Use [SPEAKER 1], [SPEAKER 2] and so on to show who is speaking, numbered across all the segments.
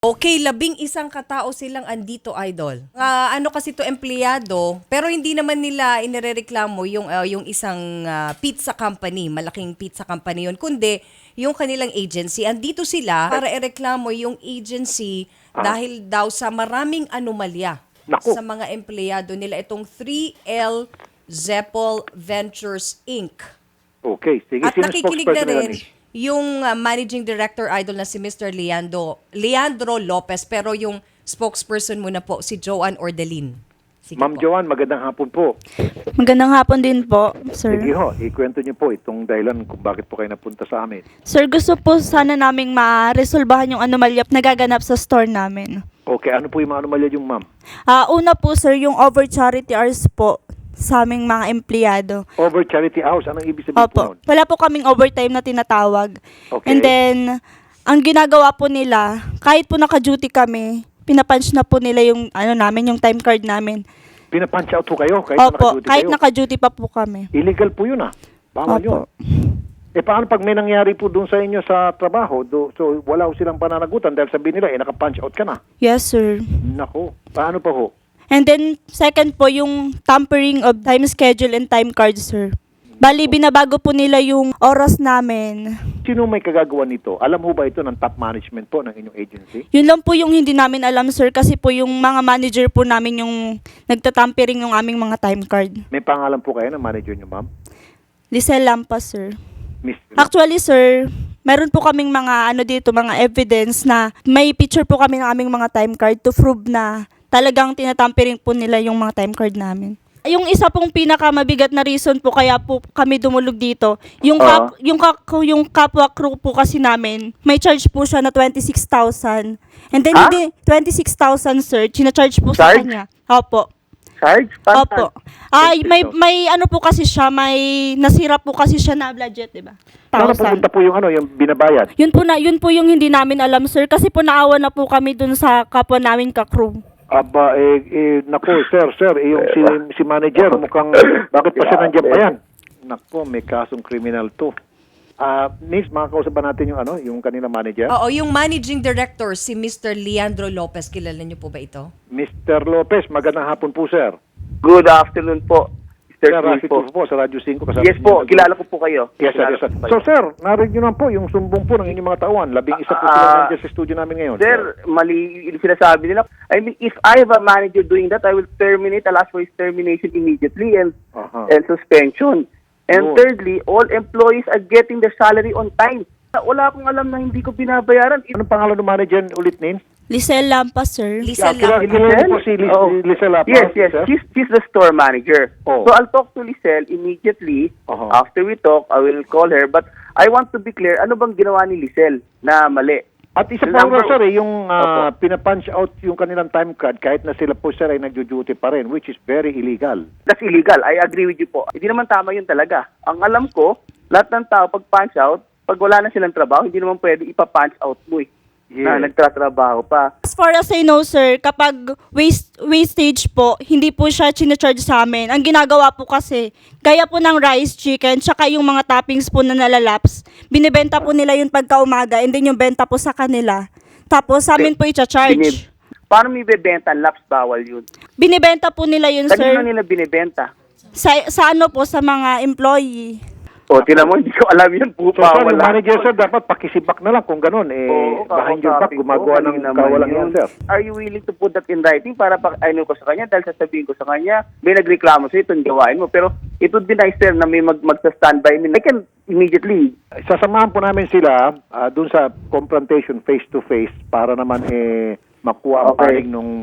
[SPEAKER 1] Okay, 11 katao silang andito, idol. Ano kasi to empleyado, pero hindi naman nila inirereklamo yung isang pizza company, malaking pizza company yun, kundi yung kanilang agency. Andito sila para ireklamo yung agency dahil daw sa maraming anomalya
[SPEAKER 2] Naku.
[SPEAKER 1] sa mga empleyado nila. Itong 3L Zeppel Ventures Inc.
[SPEAKER 2] Okay, sige.
[SPEAKER 1] At
[SPEAKER 2] Sino
[SPEAKER 1] nakikinig na
[SPEAKER 2] spokesperson nila
[SPEAKER 1] rin
[SPEAKER 2] ni?
[SPEAKER 1] yung managing director idol na si Mr. Leandro Lopez, pero yung spokesperson muna po si Joanne Ordelin. Sige
[SPEAKER 2] Ma'am
[SPEAKER 1] po.
[SPEAKER 2] Joanne, magandang hapon po.
[SPEAKER 3] Magandang hapon din po, sir.
[SPEAKER 2] Sige ho, ikwento niyo po itong dahilan kung bakit po kayo napunta sa amin.
[SPEAKER 3] Sir, gusto po sana naming ma-resolbahan yung anomalya nagaganap sa store namin.
[SPEAKER 2] Okay, ano po yung mga anomalya yung ma'am?
[SPEAKER 3] Una po, sir, yung over charity hours po sa aming mga empleyado.
[SPEAKER 2] Over charity hours, anong ibig sabihin po
[SPEAKER 3] Opo.
[SPEAKER 2] nun?
[SPEAKER 3] Wala po kaming overtime na tinatawag.
[SPEAKER 2] Okay.
[SPEAKER 3] And then, ang ginagawa po nila, kahit po naka-duty kami, pinapunch na po nila yung yung time card namin.
[SPEAKER 2] Pinapunch out po kayo kahit
[SPEAKER 3] Opo,
[SPEAKER 2] naka-duty
[SPEAKER 3] kahit
[SPEAKER 2] kayo?
[SPEAKER 3] naka-duty pa po kami.
[SPEAKER 2] Illegal po yun Bawal yun.
[SPEAKER 3] Opo.
[SPEAKER 2] Paano pag may nangyari po doon sa inyo sa trabaho, so wala ho silang pananagutan dahil sabihin nila, naka-punch out ka na.
[SPEAKER 3] Yes, sir.
[SPEAKER 2] Nako, paano pa ho?
[SPEAKER 3] And then, second po, yung tampering of time schedule and time card, sir. Bali, binabago po nila yung oras namin.
[SPEAKER 2] Sino may kagagawa nito? Alam ho ba ito ng top management po ng inyong agency?
[SPEAKER 3] Yun lang po yung hindi namin alam, sir, kasi po yung mga manager po namin yung nagtatampering ng aming mga time card.
[SPEAKER 2] May pangalan po kayo ng manager niyo, ma'am?
[SPEAKER 3] Lisel Lampas, sir.
[SPEAKER 2] Miss
[SPEAKER 3] Actually, sir, meron po kaming mga mga evidence na may picture po kami ng aming mga time card to prove na talagang tinatampering po nila yung mga time card namin. Yung isa pong pinakamabigat na reason po kaya po kami dumulog dito, yung yung kapwa crew po kasi namin, may charge po siya na 26,000. And then hindi 26,000, sir, china-charge po sa
[SPEAKER 4] Charge?
[SPEAKER 3] kanya. Opo.
[SPEAKER 4] Charge?
[SPEAKER 3] Opo. Ay, may ano po kasi siya, may nasira po kasi siya na budget, 'di ba?
[SPEAKER 2] Saan pupunta po yung yung binabayad?
[SPEAKER 3] Yun po yung hindi namin alam, sir, kasi po naawa na po kami dun sa kapwa namin ka-crew.
[SPEAKER 2] Aba, naku, sir, yung si manager, mukhang, bakit pa siya nandiyan pa yan? Naku, may kasong kriminal to. Miss, makakausap ba natin yung kanila manager?
[SPEAKER 1] Oo, yung managing director si Mr. Leandro Lopez, kilala niyo po ba ito?
[SPEAKER 2] Mr. Lopez, magandang hapon po, sir.
[SPEAKER 4] Good afternoon po,
[SPEAKER 2] Sir,
[SPEAKER 4] Mr.
[SPEAKER 2] Rafi
[SPEAKER 4] po.
[SPEAKER 2] po sa Radyo 5. Kasama
[SPEAKER 4] Yes po, kilala ko po kayo.
[SPEAKER 2] Yes, sir, yes, sir. So, sir, narinig nyo naman po yung sumbong po ng inyong mga tauhan. 11 po sila nandiyan sa studio namin ngayon.
[SPEAKER 4] Sir, mali yung sinasabi nila. I mean, if I have a manager doing that, I will terminate. I'll ask for his termination immediately and suspension. And
[SPEAKER 2] Good.
[SPEAKER 4] thirdly, all employees are getting their salary on time. Wala akong alam na hindi ko binabayaran.
[SPEAKER 2] Anong pangalan ng manager ulit, Nin?
[SPEAKER 3] Lisel Lampas, sir.
[SPEAKER 1] Lisel
[SPEAKER 2] Kilala
[SPEAKER 1] Lampas.
[SPEAKER 2] niyo po si Lisel Lapa?
[SPEAKER 4] Yes.
[SPEAKER 2] sir?
[SPEAKER 4] She's the store manager.
[SPEAKER 2] Oh.
[SPEAKER 4] So I'll talk to Lisel immediately.
[SPEAKER 2] Uh-huh.
[SPEAKER 4] After we talk, I will call her. But I want to be clear, ano bang ginawa ni Lisel na mali?
[SPEAKER 2] At isa pa
[SPEAKER 4] Number-
[SPEAKER 2] sir, yung
[SPEAKER 4] Opo.
[SPEAKER 2] pinapunch out yung kanilang time card kahit na sila po sir ay nagjo-duty pa rin, which is very illegal.
[SPEAKER 4] That's illegal. I agree with you po. Hindi naman tama yun talaga. Ang alam ko, lahat ng tao pag punch out, pag wala na silang trabaho, hindi naman pwede ipa-punch out mo na nagtatrabaho pa.
[SPEAKER 3] As far as I know, sir, kapag wastage po, hindi po siya charge sa amin. Ang ginagawa po kasi, gaya po ng rice, chicken, tsaka yung mga toppings po na nalalaps, binibenta po nila yun pagka umaga, and then yung benta po sa kanila. Tapos sa amin po i-charge.
[SPEAKER 4] Paano may bebenta? Laps bawal yun.
[SPEAKER 3] Binibenta po nila yun,
[SPEAKER 4] Kanino
[SPEAKER 3] sir.
[SPEAKER 4] nila binibenta?
[SPEAKER 3] Sa ano po, sa mga employee.
[SPEAKER 4] O, tinan mo, hindi ko alam yun po.
[SPEAKER 2] So sir, yung manager sir, dapat pakisibak na lang kung ganun.
[SPEAKER 4] Oo,
[SPEAKER 2] Behind your back,
[SPEAKER 4] kakausapin ko.
[SPEAKER 2] gumagawa ng
[SPEAKER 4] Kanina naman
[SPEAKER 2] kawalang
[SPEAKER 4] yun.
[SPEAKER 2] yan sir.
[SPEAKER 4] Are you willing to put that in writing para ano ko sa kanya? Dahil sasabihin ko sa kanya, may nagreklamo sa'yo, itong gawain mo. Pero it would be nice, sir, na may magsa-standby. I can immediately.
[SPEAKER 2] Sasamahan po namin sila dun sa confrontation face-to-face para naman makuha ang
[SPEAKER 4] Okay.
[SPEAKER 2] panig nung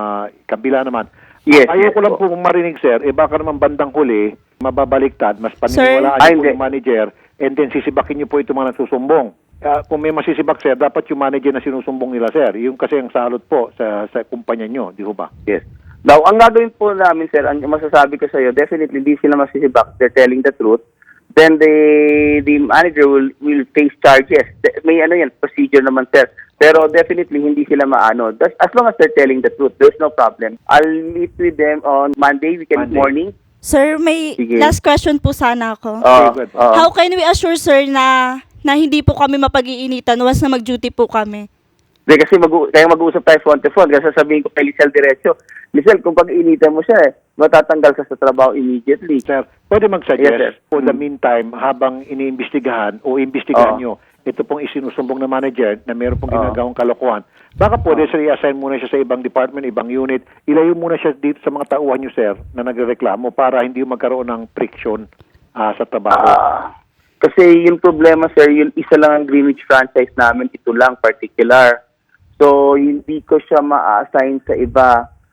[SPEAKER 2] kabila naman.
[SPEAKER 4] Yes,
[SPEAKER 2] Ayoko
[SPEAKER 4] yes
[SPEAKER 2] lang
[SPEAKER 4] po.
[SPEAKER 2] po marinig sir, baka naman bandang huli, mababaliktad, mas
[SPEAKER 3] Sir?
[SPEAKER 2] paniniwalaan
[SPEAKER 4] Ay,
[SPEAKER 2] niyo po
[SPEAKER 4] hindi.
[SPEAKER 2] yung manager and then sisibakin niyo po itong mga nagsusumbong. Kung may masisibak sir, dapat yung manager na sinusumbong nila sir. Yung kasi ang salot po sa kumpanya nyo, di ho ba?
[SPEAKER 4] Yes. Now, ang gagawin po namin, sir, ang masasabi ko sa iyo, definitely hindi sila masisibak. They're telling the truth. Then the manager will face charges. May procedure naman, sir. Pero definitely hindi sila maano. As long as they're telling the truth, there's no problem. I'll meet with them on Monday morning.
[SPEAKER 3] Sir, may
[SPEAKER 4] Sige.
[SPEAKER 3] last question po sana ako.
[SPEAKER 2] good.
[SPEAKER 3] How can we assure, sir, na hindi po kami mapag-iinitan once na mag-duty po kami?
[SPEAKER 4] Kasi kaya mag-uusap tayo front to front. Kasi sasabihin ko kay Lizelle diretso, Lizelle, kung pag-iinitan mo siya, matatanggal ka sa trabaho immediately.
[SPEAKER 2] Sir, pwede mag-suggest
[SPEAKER 4] Yes, sir.
[SPEAKER 2] for the meantime habang iniimbestigahan o imbestigahan nyo ito pong isinusumbong na manager na meron pong ginagawang kalokohan. Baka pwede sir i-assign muna siya sa ibang department, ibang unit. Ilayo muna siya dito sa mga tauhan nyo, sir, na nagrereklamo para hindi magkaroon ng friction sa trabaho.
[SPEAKER 4] Kasi yung problema, sir, yun isa lang ang Greenwich franchise namin, ito lang particular. So, hindi ko siya ma-assign sa iba.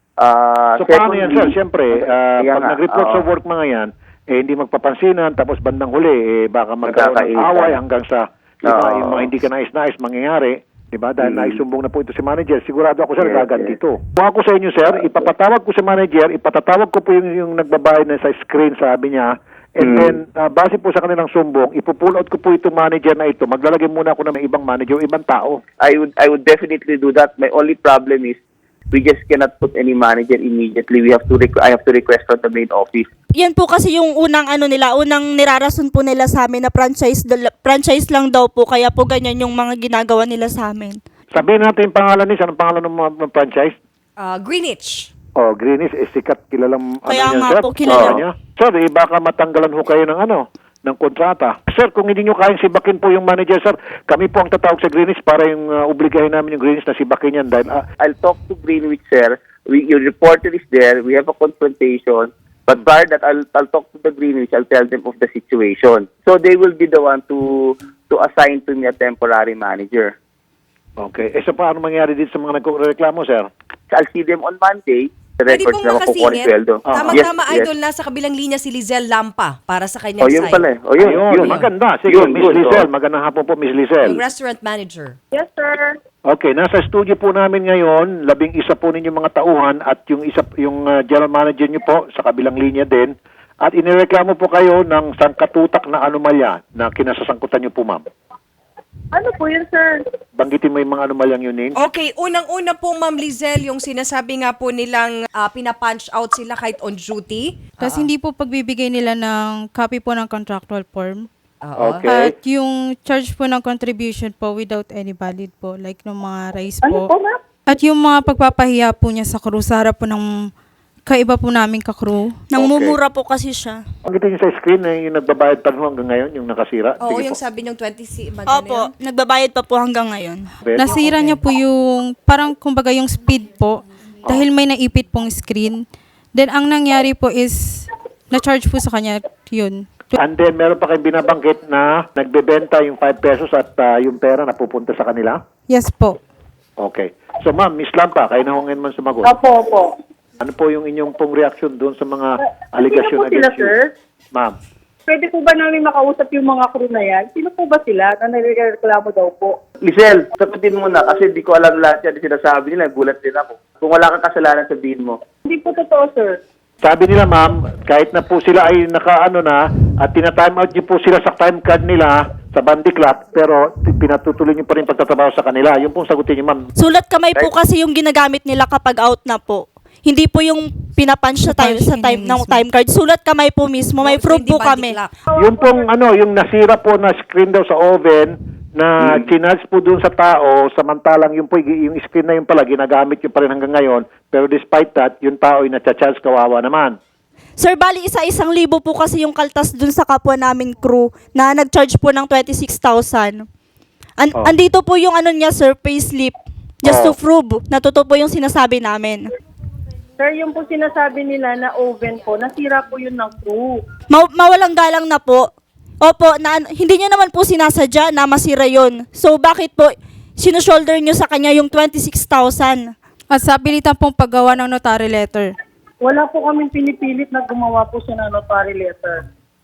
[SPEAKER 2] So paano yan, sir? Siyempre,
[SPEAKER 4] Yan
[SPEAKER 2] pag
[SPEAKER 4] nga,
[SPEAKER 2] nag-report sa
[SPEAKER 4] oo.
[SPEAKER 2] work mga yan, hindi magpapansinan, tapos bandang huli, baka magkaroon ng
[SPEAKER 4] Magkakaitan.
[SPEAKER 2] away hanggang sa
[SPEAKER 4] Oo.
[SPEAKER 2] yung mga hindi ka nais-nais mangyayari. Diba? Dahil naisumbong na po ito si manager, sigurado ako, sir,
[SPEAKER 4] Yes,
[SPEAKER 2] gaganti
[SPEAKER 4] yes.
[SPEAKER 2] ito. Kung ako sa inyo, sir, ipapatawag ko si manager, ipatatawag ko po yung nagbabayad na sa screen, sabi niya, and then, base po sa kanilang sumbong, ipupull out ko po itong manager na ito. Maglalagay muna ako ng may ibang manager o ibang tao.
[SPEAKER 4] I would definitely do that. My only problem is we just cannot put any manager immediately. I have to request from the main office.
[SPEAKER 3] Yan po kasi yung unang unang nirarason po nila sa amin na franchise lang daw po, kaya po ganyan yung mga ginagawa nila sa amin.
[SPEAKER 2] Sabihin natin yung pangalan niya, anong pangalan ng mga franchise?
[SPEAKER 1] Greenwich.
[SPEAKER 2] Oh, Greenish, sikat, kilalang
[SPEAKER 3] Kaya
[SPEAKER 2] yan,
[SPEAKER 3] nga
[SPEAKER 2] sir.
[SPEAKER 3] po, kilala.
[SPEAKER 2] Niya. Sir, baka matanggalan ho kayo ng kontrata. Sir, kung hindi nyo kayang sibakin po yung manager, sir, kami po ang tatawag sa Greenish para yung obligahin namin yung Greenish na sibakin yan dahil
[SPEAKER 4] I'll talk to Greenwich, sir. Your reporter is there. We have a confrontation. But prior that, I'll talk to the Greenwich. I'll tell them of the situation. So they will be the one to assign to me a temporary manager.
[SPEAKER 2] okay. So paano mangyari dito sa mga nagreklamo, sir?
[SPEAKER 4] So I'll see them on Monday. The
[SPEAKER 1] Pwede
[SPEAKER 4] records
[SPEAKER 1] pong
[SPEAKER 4] na makukuha ni
[SPEAKER 1] makasingit.
[SPEAKER 4] Sweldo.
[SPEAKER 1] Tama-tama,
[SPEAKER 4] Yes,
[SPEAKER 1] Idol, nasa kabilang linya si Lizelle Lampa para sa kanyang
[SPEAKER 4] yun
[SPEAKER 1] side.
[SPEAKER 4] pala eh. Oh, yun.
[SPEAKER 2] Ayun, maganda. Sige,
[SPEAKER 4] Yun,
[SPEAKER 2] Miss
[SPEAKER 4] good,
[SPEAKER 2] Lizelle. Magandang hapon po, Miss Lizelle.
[SPEAKER 1] Yung restaurant manager.
[SPEAKER 5] Yes, sir.
[SPEAKER 2] Okay, nasa studio po namin ngayon, 11 po ninyong mga tauhan at yung general manager niyo po sa kabilang linya din. At inireklamo po kayo ng sangkatutak na anomalya na kinasasangkutan niyo po, ma'am.
[SPEAKER 5] Ano po yun, sir?
[SPEAKER 2] Banggitin mo yung mga anomalyang yun, Ning.
[SPEAKER 1] Okay, unang-una po, Ma'am Lizelle, yung sinasabi nga po nilang pina-punch out sila kahit on duty.
[SPEAKER 6] Tapos hindi po pagbibigay nila ng copy po ng contractual form.
[SPEAKER 2] Okay.
[SPEAKER 6] At yung charge po ng contribution po without any valid po, like ng mga rice
[SPEAKER 5] Ano
[SPEAKER 6] po.
[SPEAKER 5] po, ma'am?
[SPEAKER 6] At yung mga pagpapahiya po niya sa crew, sa harap po ng kaiba po namin ka-crew.
[SPEAKER 3] Nang mumura po kasi siya.
[SPEAKER 2] Banggitin niyo sa screen na yung nagbabayad pa rin hanggang ngayon, yung nakasira.
[SPEAKER 1] Oo,
[SPEAKER 2] Sige
[SPEAKER 1] yung
[SPEAKER 2] po.
[SPEAKER 1] sabi niyong 20
[SPEAKER 3] Opo, nagbabayad pa po hanggang ngayon.
[SPEAKER 6] Nasira niya po yung, parang kumbaga yung speed po, dahil may naipit pong screen. Then ang nangyari po is, na-charge po sa kanya yun.
[SPEAKER 2] And then, meron pa kayong binabanggit na nagbebenta yung 5 pesos at yung pera na pupunta sa kanila?
[SPEAKER 6] Yes po.
[SPEAKER 2] Okay. So, ma'am, Miss Lampa, kayo na hongin man sumagot.
[SPEAKER 5] Opo, opo.
[SPEAKER 2] Ano po yung inyong pong reaction doon sa mga
[SPEAKER 5] Sino
[SPEAKER 2] allegation
[SPEAKER 5] po sila,
[SPEAKER 2] against you?
[SPEAKER 5] sir?
[SPEAKER 2] Ma'am.
[SPEAKER 5] Pwede po ba namin makausap yung mga crew na yan? Sino po ba sila na nagreklamo daw po?
[SPEAKER 4] Lizelle, sagutin mo na kasi di ko alam lahat yan. Sinasabi nila, gulat din ako. Kung wala kang kasalanan, sabihin mo.
[SPEAKER 5] Hindi po totoo, sir.
[SPEAKER 2] Sabi nila, ma'am, kahit na po sila ay nakaano na at tina-time out niyo po sila sa time card nila sa Bandy Clock, pero pinatutuloy niyo pa rin pagtatrabaho sa kanila. Yung pong sagutin niyo, ma'am.
[SPEAKER 3] Sulat kamay po kasi yung ginagamit nila kapag out na po. Hindi po yung pinapunch sa time ng time card. Sulat kamay po mismo. May proof po kami.
[SPEAKER 2] Yung pong yung nasira po na screen daw sa oven na chinarge po doon sa tao, samantalang yung screen na yun pala, ginagamit yun pa rin hanggang ngayon, pero despite that, yung tao ay natcha-charge, kawawa naman.
[SPEAKER 3] Sir, bali isa-1,000 po kasi yung kaltas dun sa kapwa namin crew na nag-charge po ng 26,000. Andito po yung niya, sir, payslip. Just to prove na totoo po yung sinasabi namin.
[SPEAKER 5] Sir, yung po sinasabi nila na oven po, nasira po yun ng crew.
[SPEAKER 3] Mawalang galang na po. Opo, hindi nyo naman po sinasadya na masira yon. So, bakit po sinushoulder nyo sa kanya yung 26,000?
[SPEAKER 6] At sa pilitan pong paggawa ng notary letter.
[SPEAKER 5] Wala po kaming pinipilit na gumawa po siya ng notary letter.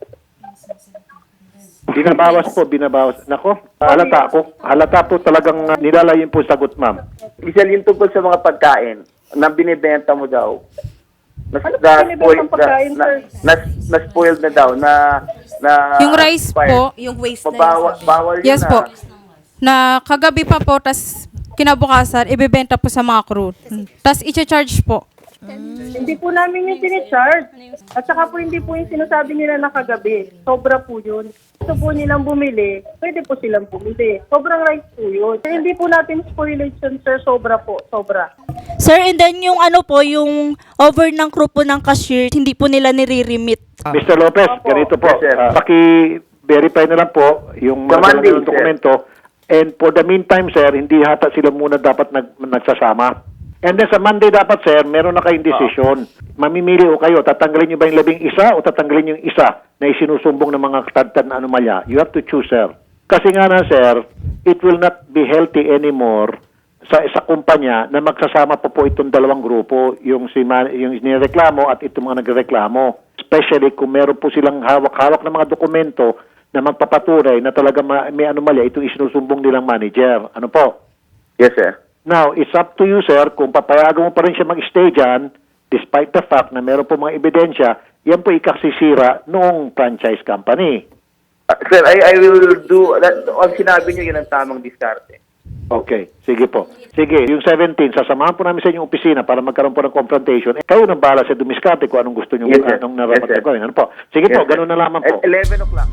[SPEAKER 2] Binabawas. Nako, halata po talagang nilalayin po sagot, ma'am.
[SPEAKER 4] Lizelle, yung tungkol sa mga pagkain na binibenta mo daw.
[SPEAKER 5] Ano ba binibentang pagkain, sir?
[SPEAKER 4] Na-spoiled na daw.
[SPEAKER 6] Yung rice po,
[SPEAKER 1] Yung waste na
[SPEAKER 4] Bawal,
[SPEAKER 1] yun.
[SPEAKER 4] bawal yun
[SPEAKER 6] yes po, na kagabi pa po, tas kinabukasan, ibibenta po sa mga crew. Tas i-charge po.
[SPEAKER 5] Hindi po namin yung sinicharge. At saka po hindi po yung sinasabi nila na kagabi. Sobra po yun. Gusto po nilang bumili, pwede po silang bumili. Sobrang right po yun. Hindi po natin spoilage yun, sir. Sobra po. Sobra.
[SPEAKER 3] Sir, and then yung ano po, yung over ng crew po ng cashier, hindi po nila nire-remit.
[SPEAKER 2] Mr. Lopez,
[SPEAKER 5] Opo.
[SPEAKER 2] ganito po.
[SPEAKER 4] Yes, sir.
[SPEAKER 2] Paki-verify na lang po yung
[SPEAKER 4] Sa
[SPEAKER 2] mga
[SPEAKER 4] Monday,
[SPEAKER 2] ng
[SPEAKER 4] sir.
[SPEAKER 2] dokumento. And for the meantime, sir, hindi hata sila muna dapat nagsasama. And then sa Monday dapat, sir, meron na kayong decision. Mamimili o kayo, tatanggalin nyo ba yung 11 o tatanggalin yung isa na isinusumbong ng mga katadtad na anomalya? You have to choose, sir. Kasi nga na, sir, it will not be healthy anymore sa kumpanya na magsasama po itong dalawang grupo, yung nireklamo at itong mga nagreklamo. Especially kung meron po silang hawak-hawak ng mga dokumento na magpapatunay na talaga may anomalya itong isinusumbong nilang manager. Ano po?
[SPEAKER 4] Yes, sir.
[SPEAKER 2] Now, it's up to you, sir, kung papayagan mo pa rin siya mag-stay dyan, despite the fact na meron po mga ebidensya, yan po ikasisira noong franchise company.
[SPEAKER 4] Sir, I will do, ang sinabi niyo, yun ang tamang diskarte.
[SPEAKER 2] Okay, sige po. Sige, yung 17, sasamahan po namin sa inyong opisina para magkaroon po ng confrontation. Kayo nang bahala sa dumiskarte kung anong gusto nyo,
[SPEAKER 4] Yes, sir.
[SPEAKER 2] anong
[SPEAKER 4] Yes,
[SPEAKER 2] narapat
[SPEAKER 4] sir.
[SPEAKER 2] na gawin. Ano po? Sige po,
[SPEAKER 4] Yes, sir.
[SPEAKER 2] ganun na lamang po.
[SPEAKER 4] At 11 o'clock.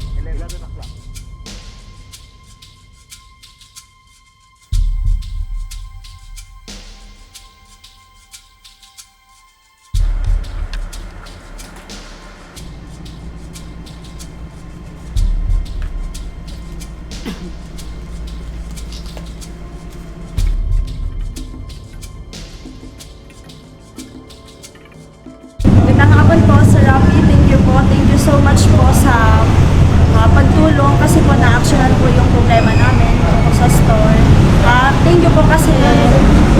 [SPEAKER 3] Magandang hapon po, Sir Rafi. Thank you po. Thank you so much po sa pagtulong kasi po na-actionan po yung problema namin tungkol sa store. Thank you po kasi